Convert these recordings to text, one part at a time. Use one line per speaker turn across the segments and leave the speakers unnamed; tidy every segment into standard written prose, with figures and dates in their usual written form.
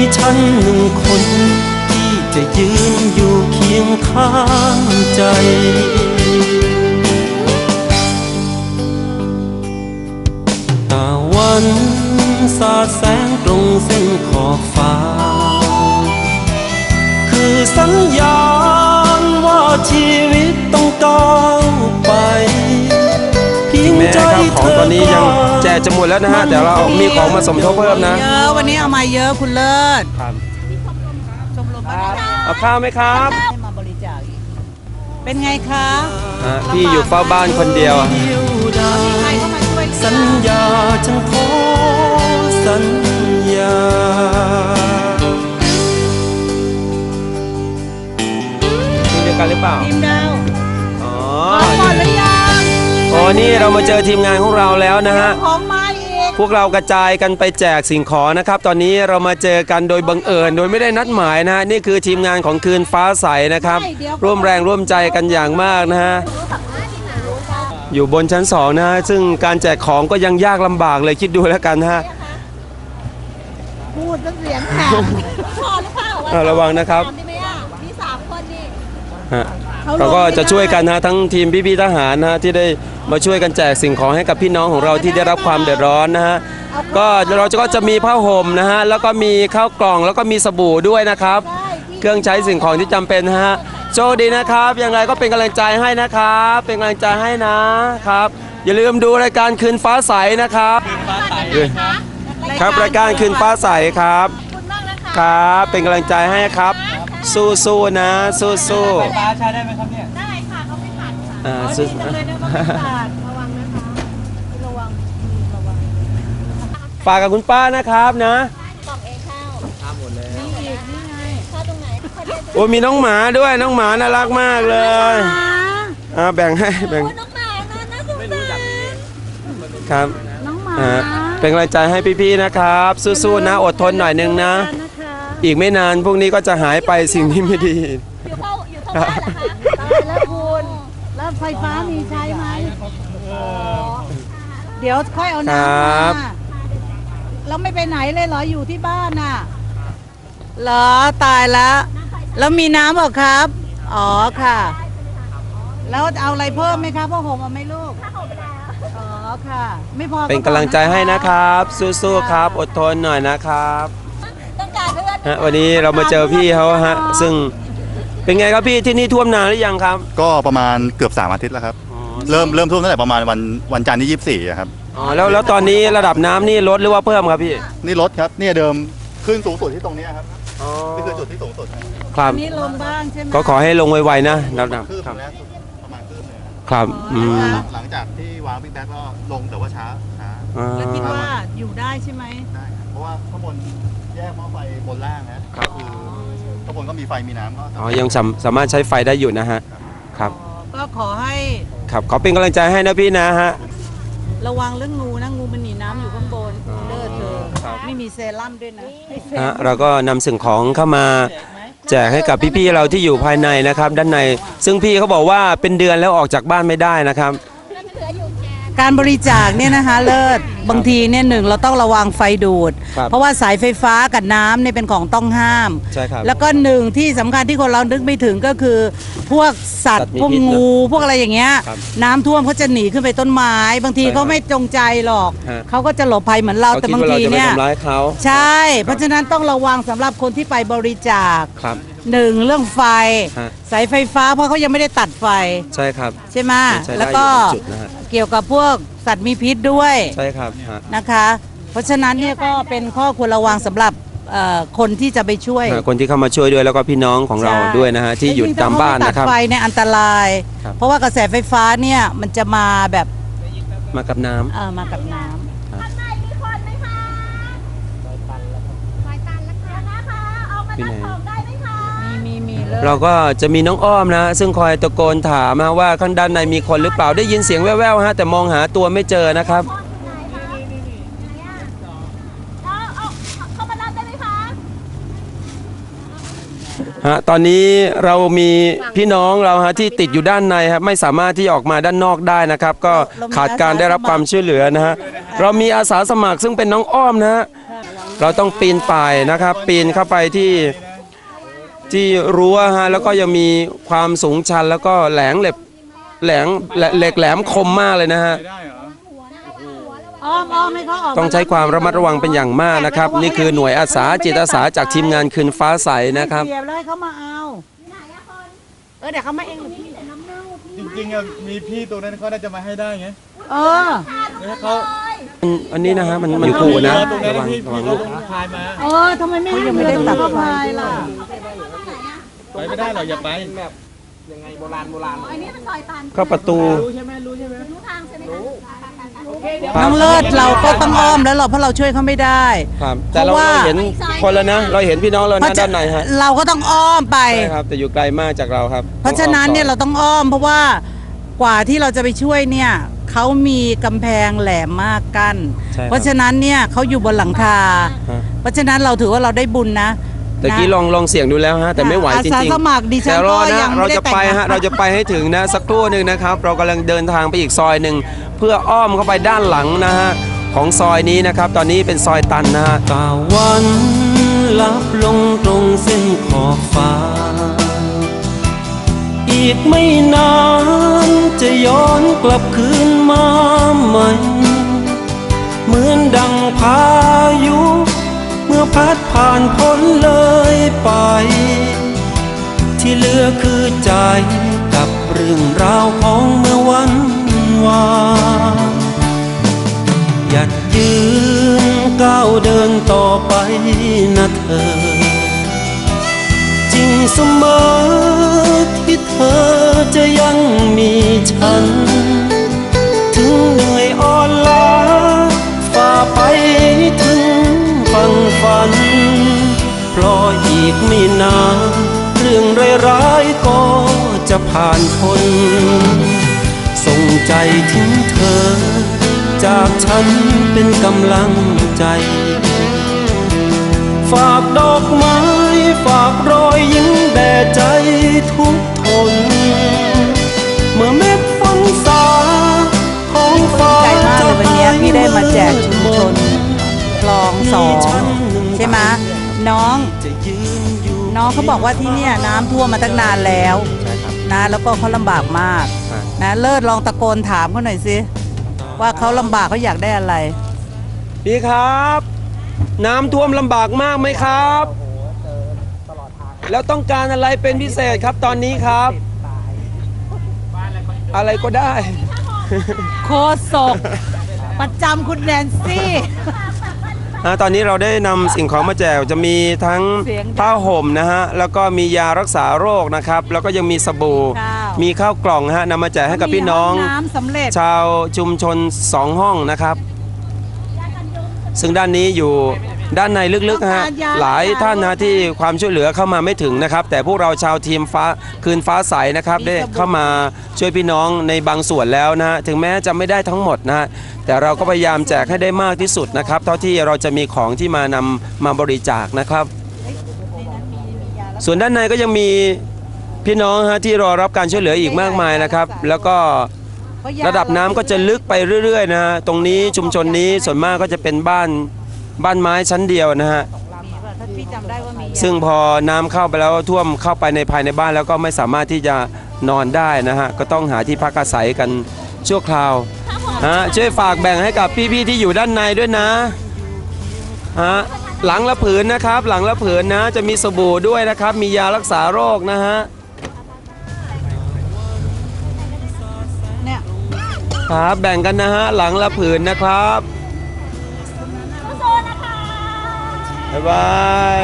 ฉันหนึ่งคนที่จะยืนอยู่เคียงข้างใจตะวันสาดแสงตรงเส้นขอบฟ้าคือสัญญาณว่าชีวิตต้องก้าวไปแม้ข้าวของตอนนี้ยังแจกจะหมดแล้วนะฮะแต่เรามีของมาสมทบเพิ่มนะ
เยอะวันนี้เอามาเยอะคุณเลิศชมรม
เอาข้าวไหมครับ
ให้มาบริจาคเป็นไงคะ
พี่อยู่เฝ้าบ้านคนเดียว
มีใครเข้ามาช่วย
สัญญาฉันขอสัญญาทีมเดียวกันหรือเปล่า
ทีมดาว
อ๋อ
หมดหรือยัง
อ๋อนี่เรามาเจอทีมงานของเราแล้วนะฮะ
ของมาอีก
พวกเรากระจายกันไปแจกสิ่งของนะครับตอนนี้เรามาเจอกันโดยบังเอิญโดยไม่ได้นัดหมายนะฮะนี่คือทีมงานของคืนฟ้าใสนะครับร่วมแรงร่วมใจกันอย่างมากนะฮะอยู่บนชั้น2นะฮะซึ่งการแจกของก็ยังยากลำบากเลยคิดดูแล้วกันนะฮะ
พูดเสียงแข็งพอหรือเปล่า
ระวังนะครับ
มี3 คนนี่
เราก็จะช่วยกันนะทั้งทีมพี่ๆทหารนะที่ได้มาช่วยกันแจกสิ่งของให้กับพี่น้องของเราที่ได้รับความเดือดร้อนนะฮะก็เราก็จะมีผ้าห่มนะฮะแล้วก็มีข้าวกล่องแล้วก็มีสบู่ด้วยนะครับเครื่องใช้สิ่งของที่จำเป็นนะฮะโชคดีนะครับยังไงก็เป็นกำลังใจให้นะครับเป็นกำลังใจให้นะครับอย่าลืมดูรายการคืนฟ้าใสนะครับครับรายการคืนฟ้าใสครับครับเป็นกำลังใจให้ครับสู้ๆนะสู้ๆไฟฟ้าใช้ได้ไหมครับเนี่ยได้ค่ะเขาไม่ผ่านค่ะสู้ระวังนะคะระวังฝากกับคุณป้านะครับนะบอกเองข้าวทำหมดเลยนี่อีกนี่ไงข้าวตรงไหนโอ้มีน้องหมาด้วยน้องหมาน่ารักมากเลยแบ่งให้แบ่งน้องหมาน่าสงสารครับน้องหมาเป็นกำลังใจให้พี่ๆนะครับสู้ๆนะอดทนหน่อยนึงนะอีกไม่นานพวกนี้ก็จะหายไปสิ่งที่ไม่ดีอยู่เข้าบ้านเหรอคะตายแล้วคุณแล้วไฟฟ้ามีใช้ไหม
เดี๋ยวค่อยเอาน้ำมาแล้วไม่ไปไหนเลยเหรออยู่ที่บ้านน่ะเหรอตายแล้วมีน้ำเหรอครับอ๋อค่ะแล้วเอาอะไรเพิ่มไหมครับพ่อผมเอาไหมลูกอ๋อค่ะไม่พอ
เป็นกำลังใจให้นะครับสู้ๆครับอดทนหน่อยนะครับวันนี้เรามาเจอพี่เขาฮะซึ่งเป็นไงครับพี่ที่นี่ท่วมนานหรือยังครับ
ก็ประมาณเกือบ3 อาทิตย์แล้วครับเริ่มท่วมตั้งแต่ประมาณวันจันทร์ที่24ครับ
อ๋อแล้วตอนนี้ระดับน้ำนี่ลดหรือว่าเพิ่มครับพี่
นี่ลดครับเนี่ยเดิมขึ้นสูงสุดที่ตรงนี้ครับนี่คือจุดที่สูงสุด
ครับ
นี่ลงบ้างใช่ไหม
ก็ขอให้ลงไวๆนะระดับ
ครับประมาณคืบเลย
ครับ
หลังจากที่วางบิ๊กแบ็คก็ลงแต่ว่าช้า
แล้วคิดว่าอยู่ได้ใช่ไหม
ได้เพราะว่าข้างบนแยกหม้อไฟบนล่างนะก็คือข้างบนก็มีไฟมีน้ำก็
ยังสามารถใช้ไฟได้อยู่นะฮะครับ
ก็ขอให้
ครับขอเป็นกำลังใจให้นะพี่นะฮะ
ระวังเรื่องงูนะงูมันหนีน้ำอยู่ข้างบนเลิศเธอไม่มีเซรั่มด้วยนะ
เราก็นำสิ่งของเข้ามาแจกให้กับพี่ๆเราที่อยู่ภายในนะครับด้านในซึ่งพี่เขาบอกว่าเป็นเดือนแล้วออกจากบ้านไม่ได้นะครับ
การบริจาคเนี่ยนะคะเลิศบางทีเนี่ย1เราต้องระวังไฟดูดเพราะว่าสายไฟฟ้ากับน้ำเนี่ยเป็นของต้องห้าม
ใช่ครับ
แล้วก็1ที่สำคัญที่คนเรานึกไม่ถึงก็คือพวกสัตว์พวกงูพวกอะไรอย่างเงี้ยน้ำท่วมเขาจะหนีขึ้นไปต้นไม้บางทีเขาไม่จงใจหรอกเขาก็จะหลบภัยเหมือนเราแต่บางทีเนี่ยใช่เพราะฉะนั้นต้องระวังสำหรับคนที่ไปบริจาค1เรื่องไฟสายไฟฟ้าเพราะเขายังไม่ได้ตัดไฟ
ใช่ครับ
ใช่ไหมแล้วก็เกี่ยวกับพวกสัตว์มีพิษด้วย
ใช่ครับ
นะคะเพราะฉะนั้นเนี่ยก็เป็นข้อควรระวังสำหรับคนที่จะไปช่วย
คนที่เข้ามาช่วยด้วยแล้วก็พี่น้องของเราด้วยนะฮะที่อยู่ตามบ้านนะครับ
ตัดไฟในอันตรายเพราะว่ากระแสไฟฟ้าเนี่ยมันจะมาแบบ
มากับน้
ำมากับน้ำ
พี่ไหนเราก็จะมีน้องอ้อมนะซึ่งคอยตะโกนถามมาว่าข้างด้านในมีคนหรือเปล่าได้ยินเสียงแว่วๆฮะแต่มองหาตัวไม่เจอนะครับตอนนี้เรามีพี่น้องเราฮะที่ติดอยู่ด้านในครับไม่สามารถที่ออกมาด้านนอกได้นะครับก็ขาดการได้รับความช่วยเหลือนะฮะเรามีอาสาสมัครซึ่งเป็นน้องอ้อมนะฮะเราต้องปีนป่ายนะครับ ปีนเข้าไปที่รั้วฮะแล้วก็ยังมีความสูงชันแล้วก็เหล็กแหลมคมมากเลยนะฮะ
อ้อมให้เขาออก
ต้องใช้ความระมัดระวังเป็นอย่างมากนะครับ นี่คือหน่วยอาสาจิตอาสาจากทีมงานคืนฟ้าใสนะครับ
เสียบเลยเขามาเอาเดี๋ยวเขามาเองหรือพี่
จริงๆอะมีพี่ตัวนั้นเขาน่าจะมาให้ได้ไง แล้วเขา
อันนี้นะฮะมันอยู่คู่นะ
ตรงนั้น
ระวัง
พี่
ระวัง
เขา
ลูก
ต้องพายมา
ทำไมไม่ยังไม่ได้ตัดไฟล่ะ
ไปไม่ได้หรอกอย่าไป
ก็ประตู
น้องเลิศเราก็ต้องอ้อมแล้วเพราะเราช่วยเขาไม่ได้
ครับแต่เรา
เพราะว่า
เห็นคนแล้วนะเราเห็นพี่น้องเรานะด้านในฮะ
เราก็ต้องอ้อมไป
ใช่ครับแต่อยู่ไกลมากจากเราครับ
เพราะฉะนั้นเนี่ยเราต้องอ้อมเพราะว่ากว่าที่เราจะไปช่วยเนี่ยเขามีกำแพงแหลมมากกั้น
ใช่ครับ
เพราะฉะนั้นเนี่ยเขาอยู่บนหลังคา
ฮะ
เพราะฉะนั้นเราถือว่าเราได้บุญนะ
แต่กี้ลองเสี่ยงดูแล้วฮะแต่ไม่ไหวจริงๆ
อาสาสมัครดิฉัน
แต่รอ
ก็
นะ
ยัง
เรา
ไม่ได้
จะ
แต่ง
ไป
งาน
ฮะเราจะไปให้ถึงนะสักครู่หนึ่งนะครับ เรากำลังเดินทางไปอีกซอยหนึ่งเพื่ออ้อมเข้าไปด้านหลังนะฮะของซอยนี้นะครับ ตอนนี้เป็นซอยตันนะฮะตะวันลับลงตรงเส้นขอบฟ้า อีกไม่นานจะย้อนกลับคืนมาใหม่ เหมือนดังพายุเมื่อพัดผ่านพ้นเลยไป ที่เหลือคือใจกับเรื่องราวของเมื่อวันวานหยัดยืนก้าวเดินต่อไปนะเธอ จริงเสมอที่เธอจะยังมีฉัน ถึงเหนื่อยอ่อนล้าฝ่าไปถึงฝั่งฝันเพราะอีกไม่นานเรื่องร้ายๆก็จะผ่านพ้นส่งใจถึงเธอจากฉันเป็นกำลังใจ ฝากดอกไม้ฝากรอยยิ้มแด่ใจทุกทนเมื่อเม็ดฝนสาท้องฟ้า
ใจมากเลยวันนี้พี่ได้มาแจกชุมชนคลองสองใช่ไหมน้องเขาบอกว่าที่เนี่ยน้ำท่วมมาตั้งนานแล้วนะแล้วก็เขาลำบากมากนะเลิศลองตะโกนถามเขาหน่อยสิว่าเขาลำบากเขาอยากได้อะไร
พี่ครับ น้ำท่วมลำบากมากไหมครับ แล้วต้องการอะไรเป็นพิเศษครับตอนนี้ครับ อะไรก็ได้
โคศกประจำคุณแนนซี่
ตอนนี้เราได้นำสิ่งของมาแจกจะมีทั้ง
เสียงดัง
ผ้าห่มนะฮะแล้วก็มียารักษาโรคนะครับแล้วก็ยังมีสบู่
ข้าว
มีข้าวกล่องฮะนำมาแจกให้กับพี่น้อง
มีห้น้ำสำเร็จ
ชาวชุมชน2ห้องนะครับ ซึ่งด้านนี้อยู่ด้านในลึกๆฮะหลายท่านนะที่ความช่วยเหลือเข้ามาไม่ถึงนะครับ แต่พวกเราชาวทีมฟ้าคืนฟ้าใสนะครับได้เข้ามาช่วยพี่น้องในบางส่วนแล้วนะฮะถึงแม้จะไม่ได้ทั้งหมดนะฮะแต่เราก็พยายามแจกให้ได้มากที่สุดนะครับเท่าที่เราจะมีของที่มานำมาบริจาคนะครับ ส่วนด้านในก็ยังมีพี่น้องฮะที่รอรับการช่วยเหลืออีกมากมายนะครับแล้วก็ระดับน้ำก็จะลึกไปเรื่อยๆนะฮะตรงนี้ชุมชนนี้ส่วนมากก็จะเป็นบ้านไม้ชั้นเดียวนะฮะซึ่งพอน้ำเข้าไปแล้วท่วมเข้าไปในภายในบ้านแล้วก็ไม่สามารถที่จะนอนได้นะฮะก็ต้องหาที่พักอาศัยกันชั่วคราวช่วยฝากแบ่งให้กับพี่ๆที่อยู่ด้านในด้วยนะหลังละผืนนะครับหลังละผืนนะจะมีสบู่ด้วยนะครับมียารักษาโรคนะฮะครับแบ่งกันนะฮะหลังละผืนนะครับบ๊ายบาย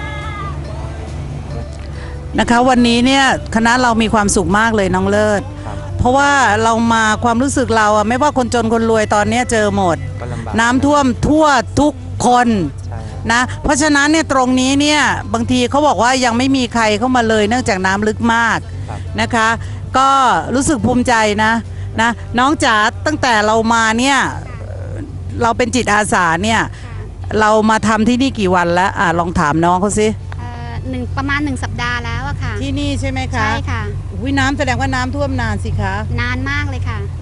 นะคะวันนี้เนี่ยคณะเรามีความสุขมากเลยน้องเลิศเพราะว่าเรามาความรู้สึกเราอะไม่ว่าคนจนคนรวยตอนนี้เจอหมดน้ำท่วมทั่วทุกคนนะเพราะฉะนั้นเนี่ยตรงนี้เนี่ยบางทีเขาบอกว่ายังไม่มีใครเข้ามาเลยเนื่องจากน้ำลึกมากนะคะก็รู้สึกภูมิใจนะน้องจ๋าตั้งแต่เรามาเนี่ยเราเป็นจิตอาสาเนี่ยเรามาทำที่นี่กี่วันแล้วลองถามน้องเขาสิ
ประมาณ1 สัปดาห์แล้วอะค่ะ
ที่นี่ใช่ไหมคะ
ใช่ค่ะ
น้ำแสดงว่าน้ำท่วมนานสิคะ
นานมากเลยค่ะ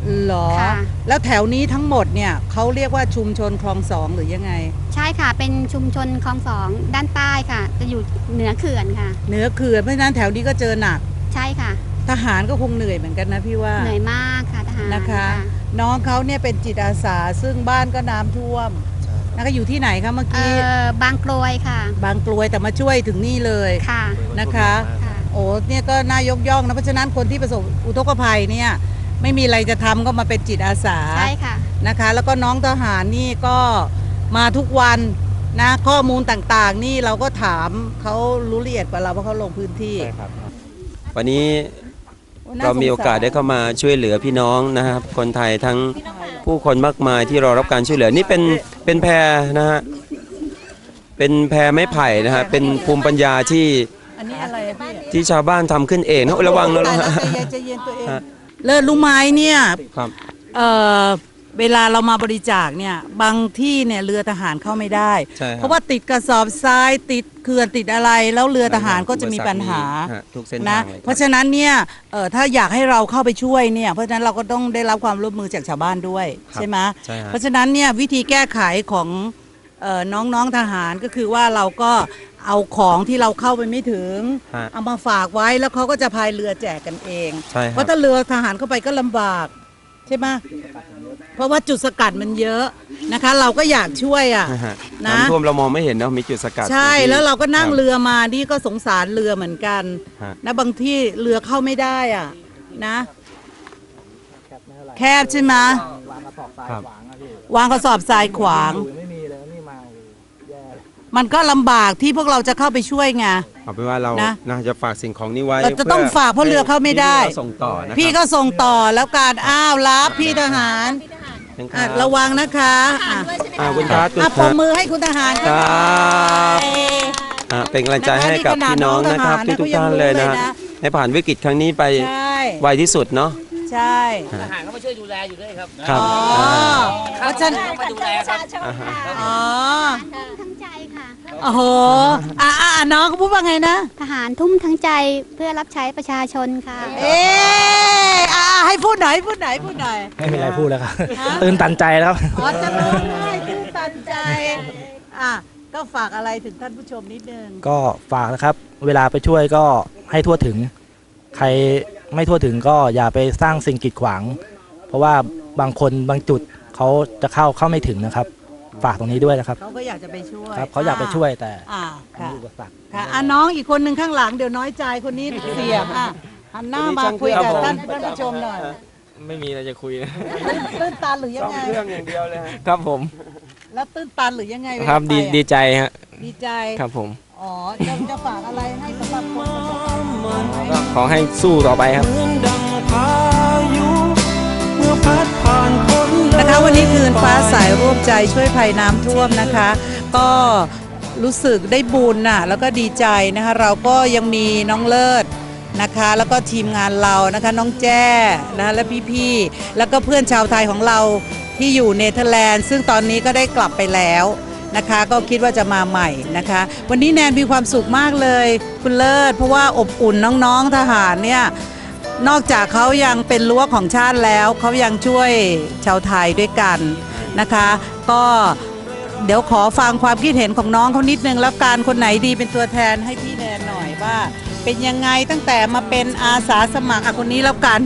เหรอ
ค่ะ
แล้วแถวนี้ทั้งหมดเนี่ยเขาเรียกว่าชุมชนคลอง2หรือยังไง
ใช่ค่ะเป็นชุมชนคลองสองด้านใต้ค่ะ จะอยู่เหนือเขื่อนค่ะ
เหนือเขื่อนเพราะฉะนั้นแถวนี้ก็เจอหนัก
ใช่ค่ะ
ทหารก็คงเหนื่อยเหมือนกันนะพี่ว่า
เหนื่อยมากค่ะทหาร
นะคะ น้องเขาเนี่ยเป็นจิตอาสาซึ่งบ้านก็น้ำท่วมนะคะอยู่ที่ไหนคะเมื่อกี้
บางกรวยค่ะ
บางกลวยแต่มาช่วยถึงนี่เลย
ค่ะ
นะคะ
ค่ะ
โอ้เนี่ยก็น่ายกย่องนะเพราะฉะนั้นคนที่ประสบอุทกภัยเนี่ยไม่มีอะไรจะทำก็มาเป็นจิตอาสา
ใช่ค่ะ
นะคะ แล้วก็น้องทหารนี่ก็มาทุกวันนะข้อมูลต่างๆ นี่เราก็ถามเขารู้ละเอียดกว่าเราเพราะเขาลงพื้นที่
วันนี้
น่
เรามีโอกาสได้เข้ามาช่วยเหลือพี่น้องนะครับคนไทยทั้งผู้คนมากมายที่รอรับการช่วยเหลือนี่เป็นแพนะฮะเป็นแพไม้ไผ่นะฮะเป็นภูมิปัญญาที่
อันนี้อะไรอะพี่
ที่ชาวบ้านทำขึ้นเองนะระวังนะ
ใจเย็นตัวเองเลิศรู้ไหมเนี่ย
ครับ
เเวลาเรามาบริจาคเนี่ยบางที่เนี่ยเรือทหารเข้าไม่ได้
ใช่ครับ
เพราะว่าติดกระสอบทรายติดเขื่อนติดอะไร แล้วเรือทหารก็จะมีปัญหา
ฮะทุกเส้น
นะ
ทางเลย
เพราะฉะนั้นเนี่ยถ้าอยากให้เราเข้าไปช่วยเนี่ยเพราะฉะนั้นเราก็ต้องได้รับความร่วมมือจากชาวบ้านด้วยใช่ไหม
ใช่ฮะ
เพราะฉะนั้นเนี่ยวิธีแก้ไขของน้องๆทหารก็คือว่าเราก็เอาของที่เราเข้าไปไม่ถึง
ฮะ
เอามาฝากไว้แล้วเขาก็จะพายเรือแจกกันเอง
ใช่ครับ
เพราะถ้าเรือทหารเข้าไปก็ลำบากใช่ไหมเพราะว่าจุดสกัดมันเยอะนะคะ เราก็อยากช่วยอ่ะ
นะฮะ
นะ
น้ำท่วมเรามองไม่เห็นเนาะมีจุดสกัด
ใช่
ที่
แล้วเราก็นั่ง
คบ
เรือมานี่ก็สงสารเรือเหมือนกัน
ฮะ
นะบางที่เรือเข้าไม่ได้อ่ะนะ แคบใช่ไหม
ครับ
วางกระสอบทรายขวาง มันก็ลำบากที่พวกเราจะเข้าไปช่วยไง
เอาเป็นว่าเรา
นะ
นะจะฝากสิ่งของนี้ไว้
เราจะต้องฝากเพราะเรือเข้าไม่ได้
พี่ส่งต่อนะครับ
พี่ก็ส่งต่อแล้วการอ้าวรับพี่ทหาร
ค
อ่ะ
บ
ระวังนะคะอ่ะ
คุณครับคุณ
อ่ะ
ค
ปร
รั
บบ มือให้คุณทหาร
ค
ค
รั
รับบ
เป็นกำลังใจให้กับพี่น้องนะครับทุกๆท่านเลยนะฮะให้ผ่านวิกฤตครั้งนี้ไป
ใช่
ไวที่สุดเนาะ
ใช่
ทหารเขามาช่วยดูแลอยู่ด้วยครับ
ครับ
อ๋อ
อ่า
เพราะฉะนัน
เขามาดูแลครับ
อ่าฮะ
อ๋อ
ทั้งใจค่ะ
โอ้โหน้องเขาพูดว่าไงนะ
ทหารทุ่มทั้งใจเพื่อรับใช้ประชาชนค่ะ
เอ๊ให้พูดหน่อยพูดหน่อยพูดหน่อย
ไม่มีอะไรพูดแล้วครับ ตื่นตันใจแล้วครับ
อ๋อจะร้องไห้ตื้นตันใจอ่ะก็ฝากอะไรถึงท่านผู้ชมนิดนึง
ก็ฝากนะครับ เวลาไปช่วยก็ให้ทั่วถึง ใครไม่ทั่วถึงก็อย่าไปสร้างสิ่งกีดขวาง เพราะว่าบางคนบางจุดเขาจะเข้าไม่ถึงนะครับ ฝากตรงนี้ด้วยนะครับ
เขาก็อยากจะไปช่วย
ครับเขาอยากไปช่วยแต่
ค่ะ
มีอุปสรรค
ค่ะน้องอีกคนหนึ่งข้างหลังเดี๋ยวน้อยใจคนนี้เสียงหันหน้ามาคุยกับท่านผู้ชมหน่อย
ไม่มีอะไรจะคุยนะ
ตื้นตันหรือยังไง
เรื่องอย่างเดียวเลยฮะ
ครับผม
แล้วตื้นตันหรือยังไง
ครับ
เวลาไป
ดีใจฮะ
ดีใจ
ครับผม
อ๋อจะฝากอะไรให้สำหรับคนประสบภัย
ก็ขอให้สู้ต่อไปครับ
นะคะวันนี้คืนฟ้าสายร่วมใจช่วยภัยน้ำท่วมนะคะ ก็รู้สึกได้บุญน่ะแล้วก็ดีใจนะคะเราก็ยังมีน้องเลิศนะคะ แล้วก็ทีมงานเรานะคะน้องแจ้นะและพี่ๆแล้วก็เพื่อนชาวไทยของเราที่อยู่เนเธอร์แลนด์ซึ่งตอนนี้ก็ได้กลับไปแล้วนะคะ ก็คิดว่าจะมาใหม่นะคะ วันนี้แนนมีความสุขมากเลยคุณเลิศเพราะว่าอบอุ่นน้องๆทหารเนี่ยนอกจากเขายังเป็นรั้วของชาติแล้วเขายังช่วยชาวไทยด้วยกันนะคะ ก็เดี๋ยวขอฟังความคิดเห็นของน้องเขานิดนึงแล้วการคนไหนดีเป็นตัวแทนให้พี่แนนหน่อยว่า เป็นยังไงตั้งแต่มาเป็นอาสาสมัครคนนี้แล้วกัน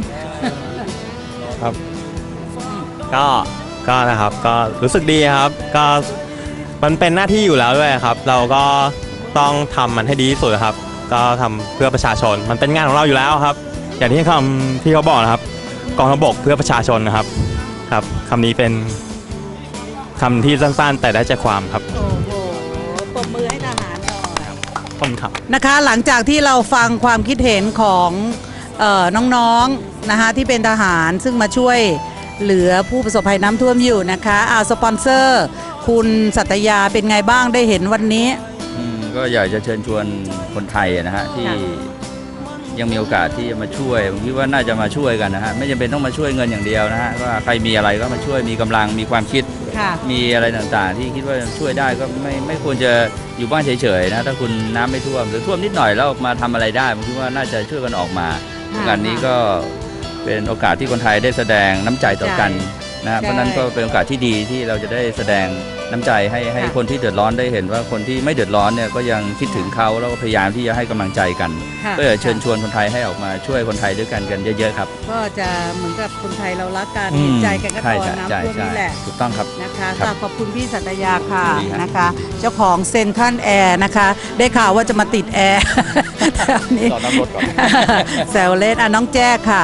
ก็นะครับก็รู้สึกดีครับก็มันเป็นหน้าที่อยู่แล้วด้วยครับ เราก็ต้องทำมันให้ดีที่สุดครับ ก็ทำเพื่อประชาชนมันเป็นงานของเราอยู่แล้วครับ อย่างที่คำที่เขาบอกนะครับกองทัพบกเพื่อประชาชนนะครับครับคำนี้เป็นคำที่สั้นๆ แต่ได้ใจความครับ
โอ้โหปรบมือให้ทหารหน่อย
ขอบคุณครับ
นะคะหลังจากที่เราฟังความคิดเห็นของน้องๆนะคะที่เป็นทหารซึ่งมาช่วยเหลือผู้ประสบภัยน้ำท่วมอยู่นะคะสปอนเซอร์คุณสัตยาเป็นไงบ้างได้เห็นวันนี้
ก็อยากจะเชิญชวนคนไทยนะฮะที่
ค่ะ
ยังมีโอกาสที่จะมาช่วยผมคิดว่าน่าจะมาช่วยกันนะฮะไม่จำเป็นต้องมาช่วยเงินอย่างเดียวนะฮะว่าใครมีอะไรก็มาช่วยมีกำลังมีความคิด
ค่ะ
มีอะไรต่างๆ ที่คิดว่าช่วยได้ก็ไม่ควรจะอยู่บ้านเฉยๆนะถ้าคุณน้ำไม่ท่วมหรือท่วมนิดหน่อยแล้วมาทำอะไรได้ผมคิดว่าน่าจะช่วยกันออกมา
ค่ะ
งานนี้ก็เป็นโอกาสที่คนไทยได้แสดงน้ำใจต่อกันนะเพราะนั้นก็เป็นโอกาสที่ดีที่เราจะได้แสดงน้ำใจให้คนที่เดือดร้อนได้เห็นว่าคนที่ไม่เดือดร้อนเนี่ยก็ยังคิดถึงเขาแล้วก็พยายามที่จะให้กำลังใจกันก็อยากเชิญชวนคนไทยให้ออกมาช่วยคนไทยด้วยกันเยอะๆครับ
ก็จะเหมือนกับคนไทยเรารักกันเห็นใจกันก็ตอนน้ำท่วมนี่แหละ
ถูกต้องครับ
นะคะขอบคุณพี่สัตยาค่ะนะคะเจ้าของเซ็นทรัลแอร์นะคะได้ข่าวว่าจะมาติดแอร์แถวนี้แซวเล่นน้องแจ้ค่ะ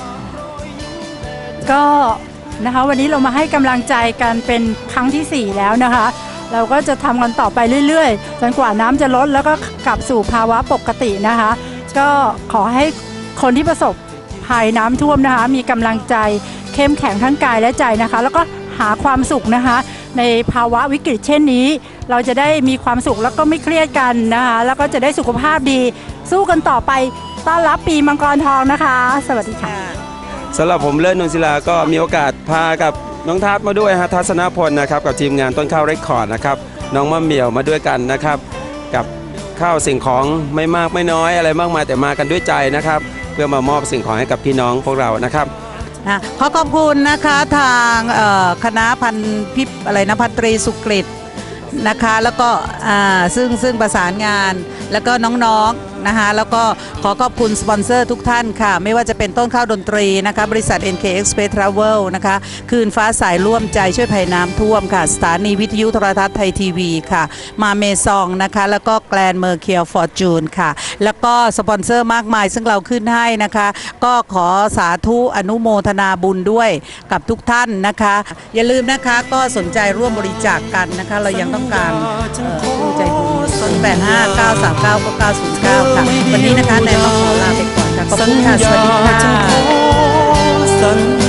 ก็นะคะวันนี้เรามาให้กำลังใจกันเป็นครั้งที่ 4 แล้วนะคะเราก็จะทำกันต่อไปเรื่อยๆจนกว่าน้ำจะลดแล้วก็กลับสู่ภาวะปกตินะคะก็ขอให้คนที่ประสบภัยน้ำท่วมนะคะมีกำลังใจเข้มแข็งทั้งกายและใจนะคะแล้วก็หาความสุขนะคะในภาวะวิกฤตเช่นนี้เราจะได้มีความสุขแล้วก็ไม่เครียดกันนะคะแล้วก็จะได้สุขภาพดีสู้กันต่อไปต้อนรับปีมังกรทองนะคะสวัสดีค่ะ
สำหรับผมเลิศนนศิลาก็มีโอกาสพากับน้องทัศมาด้วยฮะทัศนพลนะครับกับทีมงานต้นข้าวเรคคอร์ดนะครับน้องมะเหมี่ยวมาด้วยกันนะครับกับข้าวสิ่งของไม่มากไม่น้อยอะไรมากมายแต่มากันด้วยใจนะครับเพื่อมามอบสิ่งของให้กับพี่น้องพวกเรานะครับ
ขอขอบคุณนะคะทางคณะพันตรีสุกฤตนะคะแล้วก็ซึ่งประสานงานแล้วก็น้องๆนะคะแล้วก็ขอขอบคุณสปอนเซอร์ทุกท่านค่ะไม่ว่าจะเป็นต้นข้าวดนตรีนะคะบริษัท NK Express Travel นะคะคืนฟ้าสายร่วมใจช่วยภัยน้ำท่วมค่ะสถานีวิทยุโทรทัศน์ไทยทีวีค่ะมาเมซองนะคะแล้วก็แกลนเมอร์เคียลฟอร์จูนค่ะแล้วก็สปอนเซอร์มากมายซึ่งเราขึ้นให้นะคะก็ขอสาธุอนุโมทนาบุญด้วยกับทุกท่านนะคะอย่าลืมนะคะก็สนใจร่วมบริจาคกันนะคะเรายังต้องการผู้ใจบุญ0859399909ค่ะวันนี้นะคะนายต้องขอลาไปก่อนค่ะขอบคุณค่ะสวัสดีค่ะ